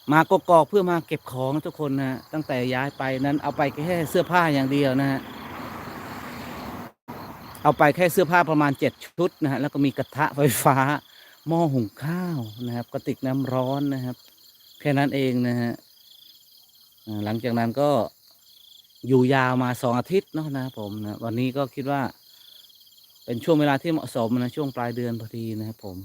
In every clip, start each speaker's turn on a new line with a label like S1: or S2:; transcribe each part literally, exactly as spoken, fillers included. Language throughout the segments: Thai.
S1: มากกอกเพื่อมาเก็บของทุกคนนะฮะตั้งแต่ย้ายไปนั้นเอาไปแค่เสื้อผ้าอย่างเดียวนะฮะเอาไปแค่เสื้อผ้าประมาณเจ็ดชุดนะฮะแล้วก็มีกระทะไฟฟ้าหม้อหุงข้าวนะครับกระติกน้ำร้อนนะครับแค่นั้นเองนะฮะอ่าหลังจากนั้นก็อยู่ยาวมาสองอาทิตย์เนาะนะครับผมนะวันนี้ก็คิดว่าเป็นช่วงเวลาที่เหมาะสมนะช่วงปลายเดือนพอดีนะครับผม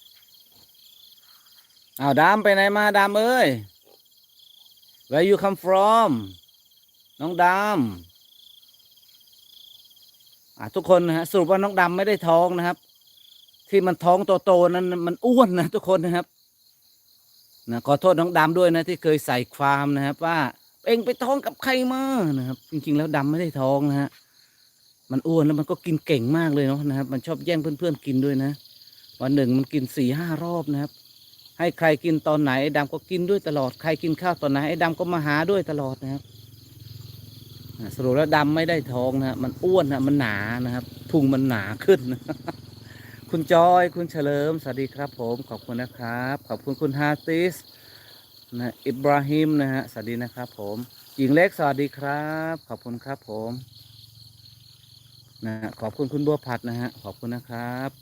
S1: อ้าวดามไปไหนมาดามเอ้ย Where you come from น้องดำอ่าทุกคนนะฮะสรุปว่าน้องดำไม่ได้ท้องนะครับที่มันท้องโตๆนั้นมันอ้วนนะทุกคนนะครับนะขอโทษน้องดำด้วยนะที่เคยใส่ความนะครับว่าเอ็งไปท้องกับใครมานะครับจริงๆแล้วดำไม่ได้ท้องนะฮะมันอ้วนแล้วมันก็กินเก่งมากเลยเนาะนะครับมันชอบแย่งเพื่อนๆกินด้วยนะวันหนึ่งมันกินสี่ห้ารอบนะครับให้ใครกินตอนไหนไอ้ดำก็กินด้วยตลอดใครกินข้าวตอนไหนไอ้ดำก็มาหาด้วยตลอดนะครับอ่าสรุปแล้วดำไม่ได้ท้องนะมันอ้วนนะมันหนานะครับพุงมันหนาขึ้น คุณจอยคุณเฉลิมสวัสดีครับผมขอบคุณนะครับขอบคุณคุณฮาติสนะอิบราฮิมนะฮะสวัสดีนะครับผมหญิงเล็กสวัสดีครับขอบคุณครับผมนะขอบคุณคุณบัวผัดนะฮะขอบคุณนะครับ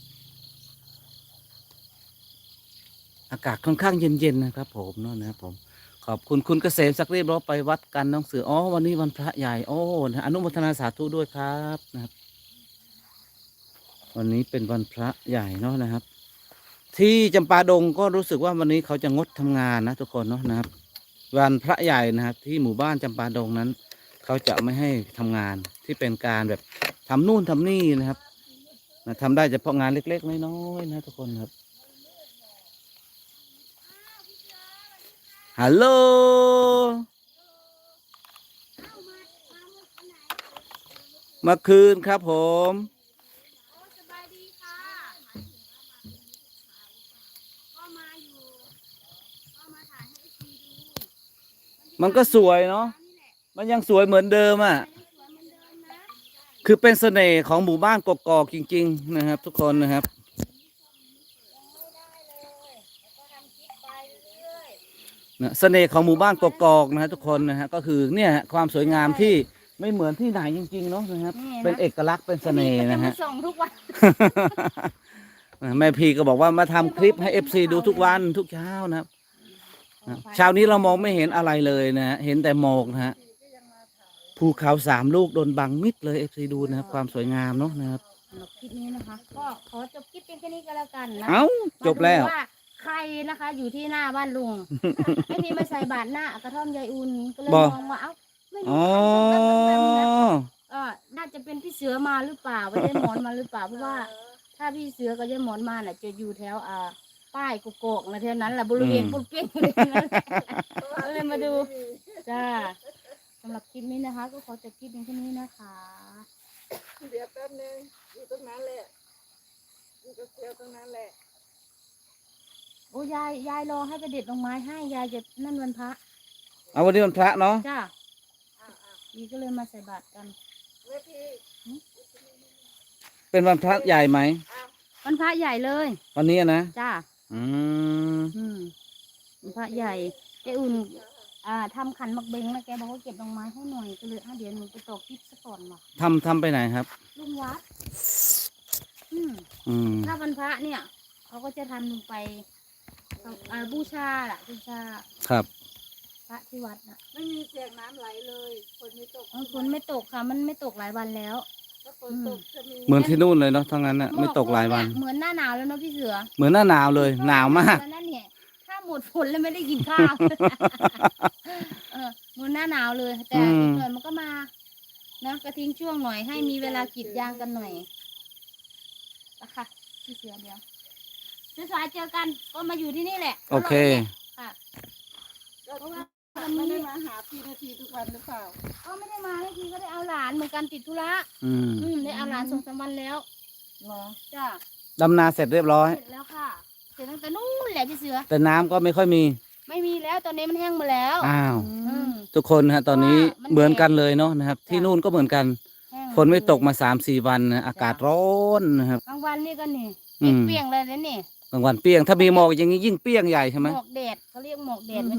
S1: อากาศค่อนข้างเย็นๆนะครับผมเนาะนะครับผมขอบคุณคุณเกษมสักดิ์เรียบร้อยไปวัดกันน้องเสืออ๋อวันนี้วันพระใหญ่โอ้นะอนุโมทนาสาธุด้วยครับนะครับวันนี้เป็นวันพระใหญ่เนาะนะครับ ที่จำปาดงก็รู้สึกว่าวันนี้เขาจะงดทำงานนะทุกคนเนาะนะครับวันพระใหญ่นะครับที่หมู่บ้านจำปาดงนั้นเขาจะไม่ให้ทำงานที่เป็นการแบบทำนู่นทำนี่นะครับนะทำได้เฉพาะงานเล็กๆน้อยๆนะทุกคนครับฮัลโหลเมื่อคืนครับผม
S2: สบายดีค่ะก็มาอยู่ก็มาถ่ายให้ทีดู
S1: มันก็สวยเนาะมันยังสวยเหมือนเดิมอ่ะ
S2: สวยเหมือนเดิมนะ
S1: คือเป็นเสน่ห์ของหมู่บ้านกกอกจริงๆนะครับทุกคนนะครับ
S2: ยังไม่ได้เลยแล้วก็ทำคลิปไปเรื่อย
S1: นะเสน่ห์ของหมู่บ้านกกอกนะฮะทุกคนนะฮะก็คือเนี่ยฮะความสวยงามที่ไม่เหมือนที่ไหนจริงๆเนาะนะครับเป็นเอกลักษณ์เป็นเสน่ห์นะฮะ
S2: ส่งทุกวัน
S1: แม่พีก็บอกว่ามาทำคลิปให้เอฟซีดูทุกวันทุกเช้านะครับนะเช้านี้เรามองไม่เห็นอะไรเลยนะฮะเห็นแต่หมอกนะฮะภูเขาสามลูกโดนบังมิดเลยเอฟซีดูนะครับความสวยงามเนาะนะครับ
S2: สำหรับคลิปนี้นะคะก็ขอจบคลิปเพียงแค่นี้ก็แล้วกันนะ
S1: เอ้าจบแล้ว
S2: มาดูว่าใครนะคะอยู่ที่หน้าบ้านลุง ไอ้ที่มาใส่บาตรหน้ากระท่อมยายอุ่นก็เลย
S1: บ่
S2: มองว่าเอ้าไม่
S1: อ๋
S2: รู้
S1: อ
S2: ใครแบบแบบแบบนะเออน่าจะเป็นพี่เสือมาหรือเปล่าไปได้หมอนมาหรือเปล่าเพราะว่า ถ้าพี่เสือกับยายหมอนมาน่ะจะอยู่แถวอ่าป้ายกุกโกกนะแถวนั้นแหละบริเวณปุ้งเปี้ยงเลยนะก็เลยมาดูจ้าสำหรับคลิปนี้นะคะ ก็ขอจบคลิปเพียงแค่นี้นะคะ
S3: เดี๋ยวแป๊บนึงอยู่ตรงนั้นแหละอยู่กับเซียวตรงนั้นแหละ
S2: โอ้ยายยายรอให้ไปเด็ดดอกไม้ให้ยายจะนั่นวันพระ
S1: เอาวันนี้วันพระเนาะ
S2: จ้า
S3: อ่าอ่า
S2: ดีก็เลยมาใส่บาตรกัน
S3: เมื่อพี่
S1: เป็นวันพระใหญ่ไหม
S3: อ้าว
S2: วันพระใหญ่เลย
S1: วันนี้นะ
S2: จ้า
S1: อืม
S2: อืมวันพระใหญ่แกอุ่น อ่าทำขันหมักเบงแล้วแกบอกว่าเก็บดอกไม้ให้หน่อยก็เลยอ่ะเดี๋ยวหนูไปตอกคลิปซะก่อนว่ะ
S1: ทำทำไปไหนครับ
S2: ลุงวัด อืม
S1: อืม
S2: ถ้าวันพระเนี่ยเขาก็จะทำลงไปอ่าบูชาล่ะบูชา
S1: ครับ
S2: พระที่วัดน่ะ
S3: ไม่มีเสียงน้ำไหลเลยฝนไม่ตก
S2: เออฝนไม่ตกค่ะ มันไม่ตกหลายวันแล้ว
S3: ถ้าฝนตกจะมี
S1: เหมือนที่นู่นเลยเนาะทั้งนั้นน่ะไม่ตกหลายวัน
S2: เหมือนหน้าหนาวแล้วเนาะพี่เสือ
S1: เหมือนหน้าหนาวเลย หนาวมาก
S2: แล้วนั่นเนี่ยถ้าหมดฝนแล้วไม่ได้กินข้าว เออเหมือนหน้าหนาวเลย แต่
S1: อืม
S2: อีกหน่อยมันก็มานะกระทิ้งช่วงหน่อยให้มีเวลากรีดยางกันหน่อยนะคะพี่เสือเดียวเสือสายเจอกันก็มาอยู่ที่นี่แหละ
S1: โอเค
S2: ค่ะ
S3: ก็
S2: เพราะว่า
S3: ไม่ได้มาหาพี่นาทีทุกวันหรือเปล่า
S2: ก็ไม่ได้มาให้ทีก็ได้เอาหลานเหมือนกันติดธุระ
S1: อืม
S2: อืมได้เอาหลานส่งสามวันแล้ว
S3: เหรอ
S2: จ้า
S1: ดำนาเสร็จเรียบร้อย
S2: เสร็จแล้วค่ะเสร็จตั้งแต่นู้นแหละพี่เสือ
S1: แต่น้ำก็ไม่ค่อยมี
S2: ไม่มีแล้วตอนนี้มันแห้งหมาแล้ว
S1: อ้าว
S2: อืม
S1: ทุกคนนะฮะตอนนี้
S2: เพราะว่ามัน
S1: เหมือนกันเลยเนาะนะครับ ที่นู่นก็เหมือนกัน
S2: แห้ง
S1: ฝนไม่ตกมาสามสี่วันนะอากาศร้อนนะครับ
S2: กลางวันนี่ก็นี่
S1: อืม
S2: เปรี้ยงๆเลยนะนี่
S1: บางวันเปรี้ยง ถ้ามีหมอกอย่างนี้ยิ่งเปรี้ยงใหญ่ใช่ไหม
S2: หมอกแดดเขาเรียกหมอกแดด